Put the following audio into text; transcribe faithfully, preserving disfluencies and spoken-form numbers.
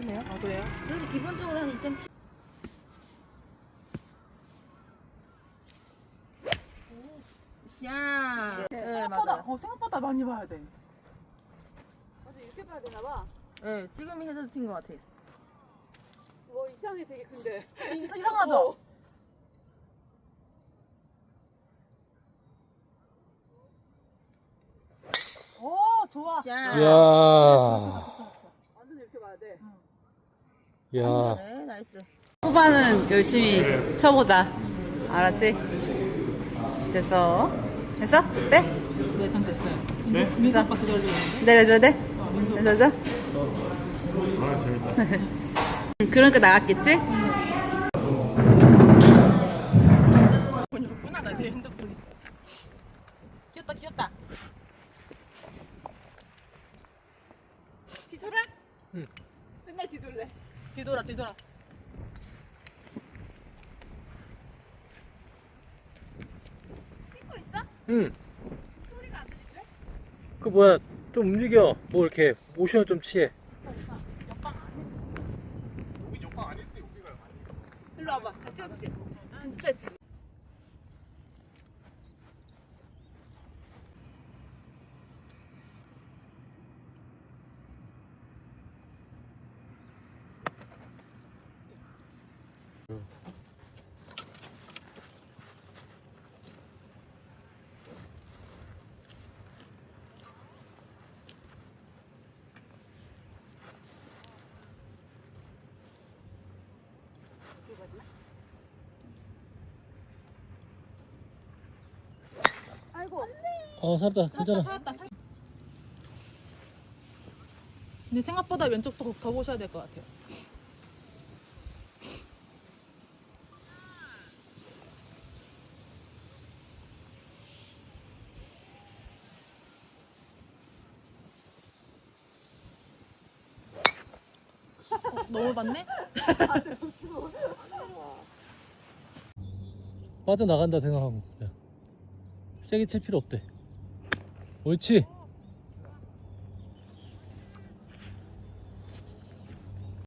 그래요? 아 그래요? 그래도 기본적으로 한 이 점 칠. 샤. 네, 생각보다 맞아요. 어, 생각보다 많이 봐야 돼. 맞아, 이렇게 봐야 되나 봐. 네, 지금이 헤드트인 것 같아요. 뭐 이상해 되게 근데. 이상- 이상하죠? 오 좋아. 샤. 이야, 완전 이렇게 봐야 돼. 야. 네, 나이스. 후반은 열심히 쳐보자. 알았지? 됐어. 됐어? 빼? 네, 전 됐어요. 네? 민수 오빠 기다리고 있는데. 내려줘야 돼? 어, 민수 오빠. 내려줘? 아, 재밌다. 그러니까 나갔겠지? 번이었구나 나내 핸드폰이. 귀엽다 귀엽다. 뒤돌아? 응. 맨날 뒤돌래. 뒤돌아 뒤돌아. 찍고 있어? 응. 소리가 안 들리지? 그 뭐야, 좀 움직여. 뭐 이렇게 모션을 좀 취해. 일로 와봐. 나 찍어줄게. 진짜 예쁘게. 아이고. 어, 살았다. 괜찮아. 살았다. 살... 근데 생각보다 왼쪽 더, 더 보셔야 될 것 같아요. 어, 너무 봤네? 빠져나간다 생각하고. 야. 세게 칠 필요 없대. 옳지.